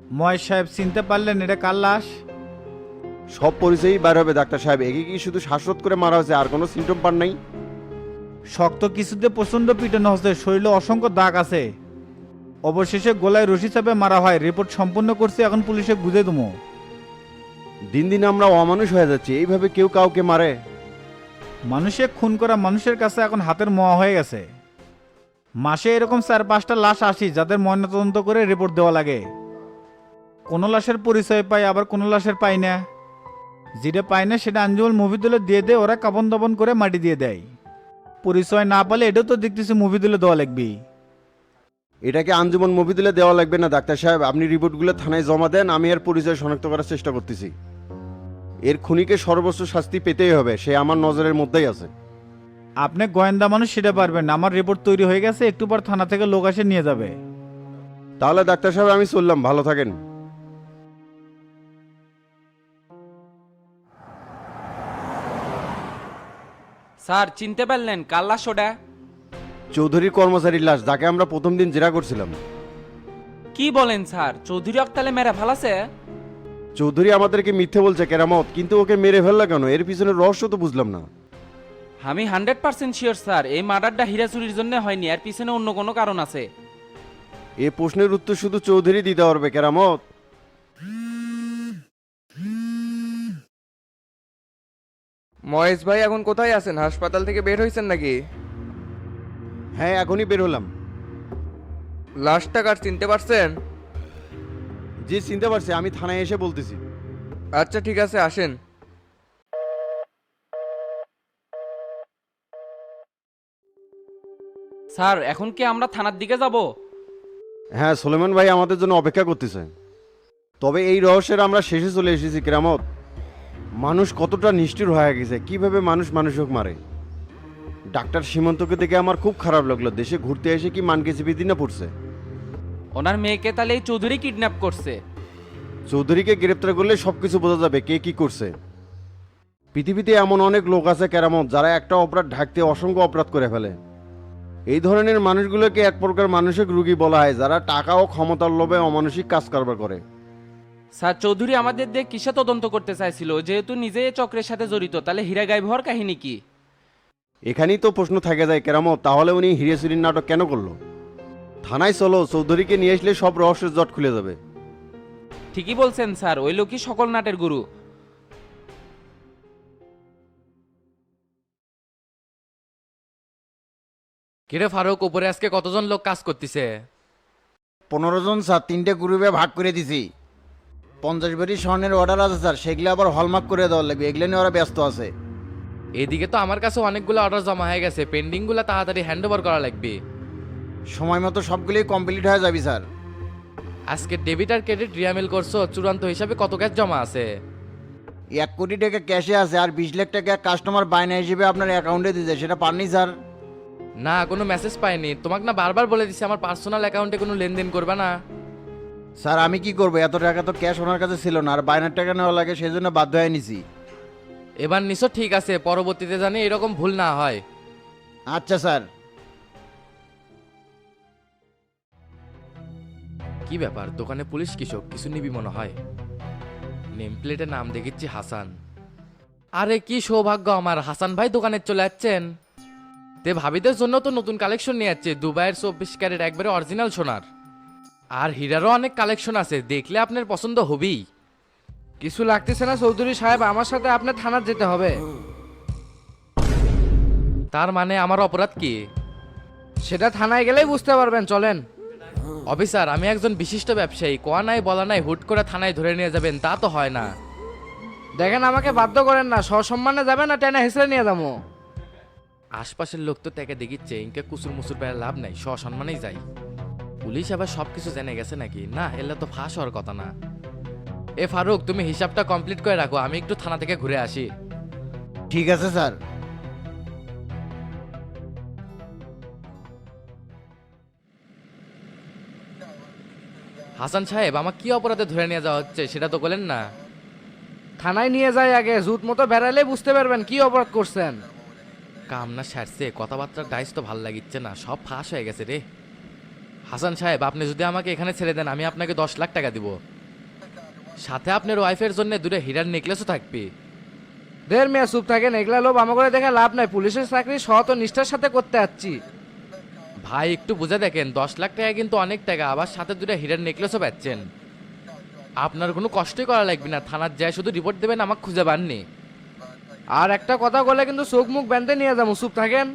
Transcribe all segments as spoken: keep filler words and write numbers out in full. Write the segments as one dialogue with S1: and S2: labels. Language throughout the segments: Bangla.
S1: ময় সাহেব চিনতে পারলেন এটা কার লাশ?
S2: সব পরিচয়ই বার হবে ডাক্তার সাহেব। একে কি শুধু শ্বাসরোধ করে মারা হয়েছে, আর কোনো সিমটম পান নাই?
S1: শক্ত কিছুতে প্রচণ্ড পিটানো হচ্ছে, শরীরে অসংখ্য দাগ আছে। অবশেষে গলায় রশি চাপে মারা হয়। রিপোর্ট সম্পূর্ণ করছি, এখন পুলিশে বুঝে দেবো।
S2: দিন দিন আমরা অমানুষ হয়ে যাচ্ছি, এইভাবে কেউ কাউকে মারে?
S1: মানুষে খুন করা মানুষের কাছে এখন হাতের মোয়া হয়ে গেছে। মাসে এরকম চার পাঁচটা লাশ আসি যাদের ময়নাতদন্ত করে রিপোর্ট দেওয়া লাগে। কোনো লাশের পরিচয় পাই, আবার কোনো লাশের পাই না। যেটা পায় না সেটা আঞ্জুমাল মুভিদুলে দিয়ে দেয়, ওরা কাপন দাপন করে মাটি দিয়ে দেয়। পরিচয় না পালে এটাও তো দেখতেছি মুভিদুলে দেওয়া লাগবে।
S2: এটাকে আঞ্জুমান মফিদুলে দেওয়া লাগবে না ডাক্তার সাহেব। আপনি রিপোর্টগুলো থানায় জমা দেন, আমি এর পরিচয় শনাক্ত করার চেষ্টা করতেছি। এর খুনিকে সর্বোচ্চ শাস্তি পেতেই হবে, সে আমার নজরের মধ্যেই আছে।
S1: আপনি গোয়েন্দা মানুষ, সেটা পারবেন না। আমার রিপোর্ট তৈরি হয়ে গেছে, একটু পর থানা থেকে লোক এসে নিয়ে যাবে।
S2: তাহলে ডাক্তার সাহেব আমি চললাম, ভালো থাকেন।
S3: স্যার চিনতে পারলেন কাল্লা সোডা?
S2: চৌধুরী কর্মচারীর লাশ, যাকে আমরা প্রথম দিন জেরা করছিলাম।
S3: কি বলেন স্যার, চৌধুরী অক্তালে মেরা ফালাছে?
S2: চৌধুরী আমাদেরকে মিথ্যে বলছে কেরামত, কিন্তু ওকে মেরে ফেললা কেন? এর পিছনে রহস্য তো বুঝলাম না।
S3: আমি হান্ড্রেড পার্সেন্ট শিওর স্যার, এই মার্ডারটা হীরা চুরির জন্য হয়নি, এর পিছনে অন্য কোনো কারণ আছে।
S2: এ প্রশ্নের উত্তর শুধু চৌধুরী দিতে পারবে কেরামত।
S4: মহেশ ভাই এখন কোথায় আছেন? হাসপাতাল থেকে বের হয়েছেন নাকি?
S2: হ্যাঁ, এখনই বের হলাম।
S4: লাশটা কার চিনতে পারছেন?
S2: জি চিনতে পারছি, আমি থানায় এসে বলতেছি।
S4: আচ্ছা ঠিক আছে, আসেন।
S3: স্যার এখন কি আমরা থানার দিকে যাব?
S2: হ্যাঁ, সুলেমান ভাই আমাদের জন্য অপেক্ষা করতেছে। তবে এই রহস্যের আমরা শেষে চলে এসেছি কেরামত। মানুষ কতটা নিষ্ঠুর হয়ে গেছে, কিভাবে মানুষ মানুষকে মারে। ডাক্তার সীমান্তকে দেখে আমার খুব খারাপ লাগলো। দেশে ঘুরতে এসে কি মানকে চেপে দিনা পড়ছে।
S3: ওনার মেয়েকে তাহলে এই চৌধুরী কিডন্যাপ করছে?
S2: চৌধুরীকে গ্রেপ্তার করলে সবকিছু বোঝা যাবে কে কি করছে। পৃথিবীতে এমন অনেক লোক আছে কেরামত, যারা একটা অপরাধ ঢাকতে অসংখ্য অপরাধ করে ফেলে। এই ধরনের মানুষগুলোকে এক প্রকার মানসিক রোগী বলা হয়, যারা টাকা ও ক্ষমতার লোভে অমানসিক কাজ কারবার করে।
S3: স্যার চৌধুরী আমাদের দিয়ে কিসে তদন্ত করতে চাইছিল? যেহেতু নিজে এই চক্রের সাথে জড়িত, তাহলে হীরা গায়েব হওয়ার কাহিনী কি?
S2: এখানেই তো প্রশ্ন থেকে যায় কেরামত, তাহলে উনি হিরে চুরির নাটক কেন করলো? থানায় চলো, চৌধুরীকে নিয়ে আসলে সব রহস্যের জট খুলে যাবে।
S3: ঠিকই বলছেন স্যার, ওই লোকই সকল নাটের গুরু।
S5: কিরে ফারুক, উপরে আজকে কতজন লোক কাজ করতেছে?
S6: পনেরো জন স্যার, তিনটে গ্রুপে ভাগ করে দিছি। পঞ্চাশ বারি স্বর্ণের অর্ডার আছে স্যার, সেগুলো আবার হলমার্ক করে দেওয়ার লাগবে, এগুলো নিয়ে ওরা ব্যস্ত আছে।
S5: এদিকে তো আমার কাছে অনেকগুলো অর্ডার জমা হয়ে গেছে, পেন্ডিংগুলো তাড়াতাড়ি হ্যান্ড ওভার করা লাগবে।
S6: সময় মতো সবগুলোই কমপ্লিট হয়ে যাবে স্যার।
S5: আজকে ডেবিট আর ক্রেডিট রিয়ামেল করছো, চূড়ান্ত হিসাবে কত ক্যাশ জমা আছে?
S6: এক কোটি টাকা ক্যাশে আছে, আর বিশ লাখ টাকা কাস্টমার বায়না হিসেবে আপনার অ্যাকাউন্টে দিতে, সেটা পাননি স্যার?
S5: না, কোনো মেসেজ পাইনি। তোমাকে না বারবার বলে দিছি আমার পার্সোনাল অ্যাকাউন্টে কোনো লেনদেন করবে না।
S6: স্যার আমি কি করবো, এত টাকা তো ক্যাশ ওনার কাছে ছিল না, আর বায়নার টাকা নেওয়া লাগে, সেই জন্য বাধ্য হয়ে নিছি।
S5: এবার নিশ্চয় ঠিক আছে, পরবর্তীতে জানি এরকম ভুল না হয়।
S6: আচ্ছা স্যার।
S5: কি ব্যাপার, দোকানে পুলিশ কৃষক কিছু নিবি মনে হয়। নেম প্লেটে নাম দেখিচ্ছি হাসান। আরে কি সৌভাগ্য আমার, হাসান ভাই দোকানে চলে যাচ্ছেন। তে ভাবিদের জন্য তো নতুন কালেকশন নিয়ে যাচ্ছে, দুবাইয়ের চব্বিশ ক্যারেট একবারে অরিজিনাল সোনার। আর হীরারও অনেক কালেকশন আছে, দেখলে আপনার পছন্দ হবেই।
S4: কিছু লাগতেছে না চৌধুরী সাহেব, আমার সাথে আপনার থানার যেতে হবে।
S5: তার মানে আমার অপরাধ কি?
S4: সেটা থানায় গেলেই বুঝতে পারবেন, চলেন।
S5: অফিসার, আমি একজন বিশিষ্ট ব্যবসায়ী, কোয়া নাই বলা নাই হুট করে থানায় ধরে নিয়ে যাবেন, তা তো হয় না।
S4: দেখেন আমাকে বাধ্য করেন না, সসম্মানে যাবেন না টেনে হেসড়ে নিয়ে যাবো।
S5: আশপাশের লোক তো তাকে দেখিচ্ছে, ইনকে কুসুর মুসুর পেয়ে লাভ নাই, সসম্মানেই যাই। পুলিশ আবার সবকিছু জেনে গেছে নাকি? না, এলে তো ফাঁস হওয়ার কথা না। এ ফারুক, তুমি হিসাবটা কমপ্লিট করে রাখো, আমি একটু থানা থেকে ঘুরে আসি।
S6: ঠিক আছে স্যার।
S5: হাসান সাহেব, আমার কি অপরাধে ধরে নিয়ে যাওয়া হচ্ছে সেটা তো বলেন না।
S4: থানায় নিয়ে যাই আগে, জুত মতো বেড়ালে বুঝতে পারবেন কি অপরাধ করছেন।
S5: কাম না সারছে, কথাবার্তার ডাইস তো ভাল লাগিচ্ছে না, সব ফাঁস হয়ে গেছে রে। হাসান সাহেব, আপনি যদি আমাকে এখানে ছেড়ে দেন, আমি আপনাকে দশ লাখ টাকা দিব। সাথে আপনার ওয়াইফের জন্য দুটো হীরার নেকলেসও থাকবে।
S4: দের মেয়ে চুপ থাকেন, এগুলা লোভ আমার করে দেখে লাভ নাই। পুলিশের চাকরি সৎ ও নিষ্ঠার সাথে করতে যাচ্ছি।
S5: ভাই একটু বুঝে দেখেন, দশ লাখ টাকা কিন্তু অনেক টাকা, আবার সাথে দুটো হীরার নেকলেসও পাচ্ছেন। আপনার কোনো কষ্টই করা লাগবে না, থানার যায় শুধু রিপোর্ট দেবেন, আমাকে খুঁজে পাননি।
S4: আর একটা কথা বলে কিন্তু চোখ মুখ বেঁধে নিয়ে যাবো, চুপ থাকেন।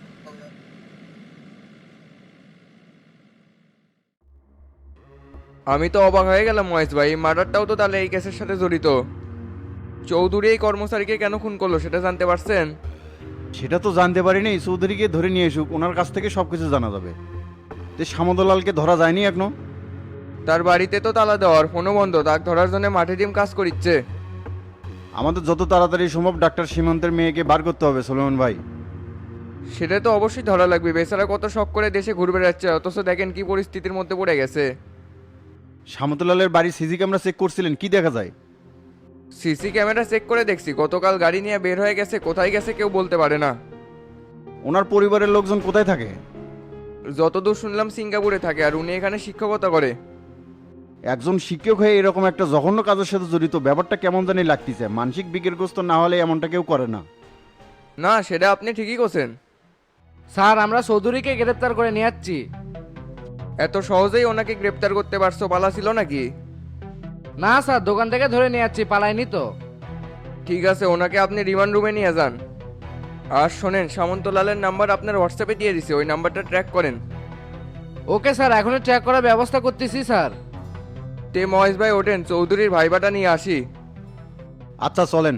S7: আমি তো অবাক হয়ে গেলাম মহেশ ভাই, মার্ডারটাও তো তাহলে এই কেসের সাথে জড়িত। চৌধুরী এই কর্মচারীকে কেন খুন করলো সেটা জানতে পারছেন?
S2: সেটা তো জানতে পারিনি, চৌধুরীকে ধরে নিয়ে এসুক, ওনার কাছ থেকে সব কিছু জানা যাবে। তো সামন্তলালকে ধরা যায়নি এখনো?
S7: তার বাড়িতে তো তালা দেওয়ার, ফোনও বন্ধ, তাক ধরার জন্য মাঠে টিম কাজ করিচ্ছে।
S2: আমাদের যত তাড়াতাড়ি সম্ভব ডাক্তার সীমান্তের মেয়েকে বার করতে হবে সুলেমান ভাই।
S7: সেটা তো অবশ্যই ধরা লাগবে, বেচারা কত শখ করে দেশে ঘুরে বেড়াচ্ছে, অথচ দেখেন কি পরিস্থিতির মধ্যে পড়ে গেছে।
S2: সামন্তলালের বাড়ি সিসি ক্যামেরা চেক করছিলেন, কি দেখা যায়?
S7: সিসি ক্যামেরা চেক করে দেখছি, গতকাল গাড়ি নিয়ে বের হয়ে গেছে, কোথায় গেছে কেউ বলতে পারে না।
S2: ওনার পরিবারের লোকজন কোথায় থাকে?
S7: যতদূর শুনলাম সিঙ্গাপুরে থাকে, আর উনি এখানে শিক্ষকতা করে।
S2: একজন শিক্ষক হয়ে এরকম একটা জঘন্য কাজের সাথে জড়িত, ব্যাপারটা কেমন জানি লাগতেছে। মানসিক বিকারগ্রস্ত না হলে এমনটা কেউ করে না।
S7: না, সেটা আপনি ঠিকই করছেন।
S4: স্যার, আমরা চৌধুরীকে গ্রেপ্তার করে নিয়ে যাচ্ছি।
S7: এত সহজেই ওনাকে গ্রেপ্তার করতে পারছো, পালা ছিল নাকি?
S4: না স্যার, দোকান থেকে ধরে নিয়ে যাচ্ছি, পালাইনি তো।
S7: ঠিক আছে, ওনাকে আপনি রিমান্ড রুমে নিয়ে যান। আর শোনেন, সামন্তলালের নাম্বার আপনার হোয়াটসঅ্যাপে দিয়ে দিছে, ওই নাম্বারটা ট্র্যাক করেন।
S4: ওকে স্যার, এখনই ট্র্যাক করার ব্যবস্থা করতেছি স্যার।
S7: তে মহেশ ভাই ওঠেন, চৌধুরীর ভাইবাটা নিয়ে আসি।
S2: আচ্ছা চলেন।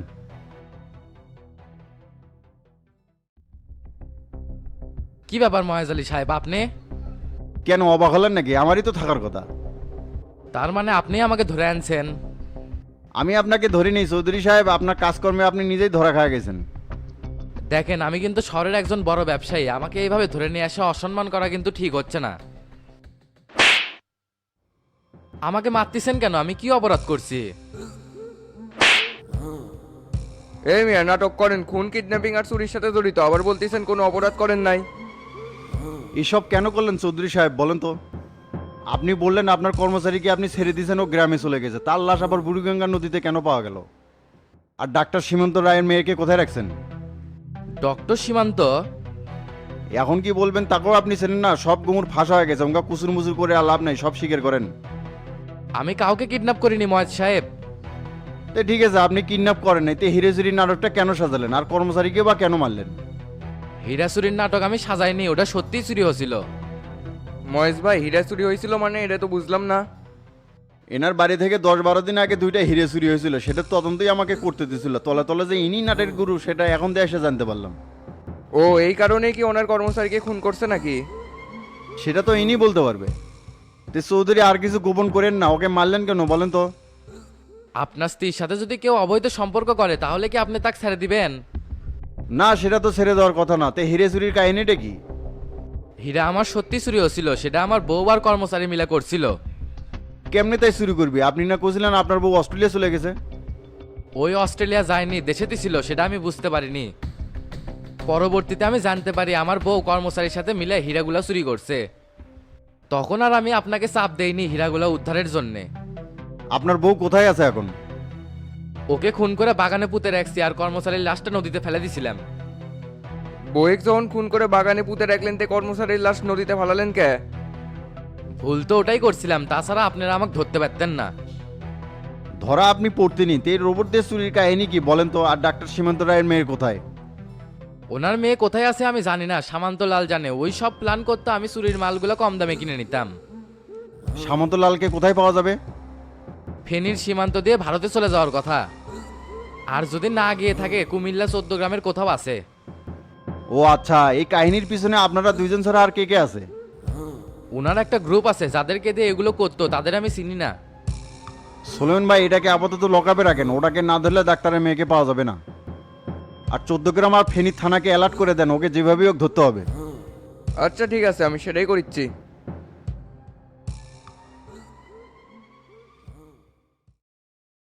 S5: কি ব্যাপার মহেজ আলী সাহেব, আপনি?
S2: কেন অবাক হলেন নাকি? আমারই তো থাকার কথা।
S5: তার মানে আপনি আমাকে ধরে আনছেন?
S2: আমি আপনাকে ধরিনি চৌধুরী সাহেব, আপনার কাজকর্মে আপনি নিজেই ধরা খাওয়া গেছেন।
S5: দেখেন, আমি কিন্তু শহরের একজন বড় ব্যবসায়ী, আমাকে এইভাবে ধরে নিয়ে আসা অসম্মান করা কিন্তু ঠিক হচ্ছে না। আমাকে মারতেছেন কেন? আমি কি অপরাধ করছি?
S7: এই মিয়া, নাটক করেন, খুন কিডন্যাপিং আর চুরির সাথে জড়িত, আবার বলতেছেন কোনো অপরাধ করেন নাই।
S2: এসব কেন করলেন চৌধুরী সাহেব বলেন তো? আপনি বললেন আপনার কর্মচারীকে আপনি ছেড়ে দিয়েছেন, ও গ্রামে চলে গেছে, তার লাশ আবার বুড়িগঙ্গা নদীতে কেন পাওয়া গেল? আর ডাক্তার সীমান্ত রায়ের মেয়েকে কোথায় রাখছেন?
S5: ডক্টর সীমান্ত?
S2: এখন কি বলবেন তাকেও আপনি চেনেন না? সব গুমুর ফাঁসা হয়ে গেছে, ওঙ্গা কুচুর মুচুর করে আর লাভ নাই, সব স্বীকার করেন।
S5: আমি কাউকে কিডন্যাপ করিনি মহেজ সাহেব।
S2: তো ঠিক আছে, আপনি কিডন্যাপ করেন নাই, তো হিরেজুরি নাটকটা কেন সাজালেন? আর কর্মচারীকে বা কেন মারলেন?
S5: হীরা চুরির নাটক আমি সাজাইনি, ওটা সত্যিই চুরি হয়েছিল।
S7: মহেশ ভাই, হীরা চুরি হয়েছিল মানে এটা তো বুঝলাম না।
S2: এনার বাড়ি থেকে দশ বারো দিন আগে দুইটা হিরে চুরি হয়েছিল, সেটা তদন্তই আমাকে করতে দিয়েছিল। তলে তলে যে ইনি নাটের গুরু সেটা এখন দিয়ে এসে জানতে পারলাম।
S7: ও এই কারণেই কি ওনার কর্মচারীকে খুন করছে নাকি?
S2: সেটা তো ইনি বলতে পারবে। তো চৌধুরী আর কিছু গোপন করেন না, ওকে মারলেন কেন বলেন তো?
S5: আপনার স্ত্রীর সাথে যদি কেউ অবৈধ সম্পর্ক করে তাহলে কি আপনি তাকে ছেড়ে দিবেন?
S2: না, সেটা তো ছেড়ে দেওয়ার কথা না। তে হিরে চুরির কাহিনীটা কি?
S5: হীরা আমার সত্যি চুরি হয়েছিল, সেটা আমার বউ আর কর্মচারী মিলে করছিল।
S2: কেমনে তাই চুরি করবি? আপনি না কছিলেন আপনার বউ অস্ট্রেলিয়া চলে গেছে?
S5: ওই অস্ট্রেলিয়া যায়নি, দেশেতে ছিল, সেটা আমি বুঝতে পারিনি। পরবর্তীতে আমি জানতে পারি আমার বউ কর্মচারীর সাথে মিলে হীরাগুলা চুরি করছে। তখন আর আমি আপনাকে চাপ দেইনি হীরাগুলা উদ্ধারের জন্যে।
S2: আপনার বউ কোথায় আছে এখন?
S5: ওকে খুন করে বাগানে পুঁতে রাখছি, আর কর্মচারীর লাশটা নদীতে ফেলে দিছিলাম।
S7: বউয়েক যখন খুন করে বাগানে পুঁতে রাখলেন, তে কর্মচারীর লাশ নদীতে ফালালেন কে?
S5: ভুল তো ওটাই করছিলাম, তাছাড়া আপনারা আমাকে ধরতে পারতেন না।
S2: ধরা আপনি পড়তেনি, তে রোবট দিয়ে চুরির কাহিনী কি বলেন তো? আর ডাক্তার সীমান্ত রায়ের মেয়ের কোথায়?
S5: ওনার মেয়ে কোথায় আছে আমি জানি না, সামান্ত লাল জানে। ওই সব প্ল্যান করতে আমি চুরির মালগুলো কম দামে কিনে নিতাম।
S2: সামন্তলালকে কোথায় পাওয়া যাবে?
S5: ফেনীর সীমান্ত দিয়ে ভারতে চলে যাওয়ার কথা। আর যদি না গিয়ে থাকে কুমিল্লা চোদ্দ গ্রামের কোথাও আছে।
S2: ও আচ্ছা, এই কাহিনীর পিছনে আপনারা দুইজন ছাড়া আর কে কে আছে?
S5: ওনার একটা গ্রুপ আছে যাদেরকে দিয়ে এগুলো করতো, তাদের আমি চিনি না।
S2: সোলেমান ভাই, এটাকে আপাতত লকআপে রাখেন, ওটাকে না ধরলে ডাক্তারের মেয়েকে পাওয়া যাবে না। আর চোদ্দ গ্রাম আর ফেনীর থানাকে অ্যালার্ট করে দেন, ওকে যেভাবেই হোক ধরতে হবে।
S7: আচ্ছা ঠিক আছে, আমি সেটাই করিচ্ছি।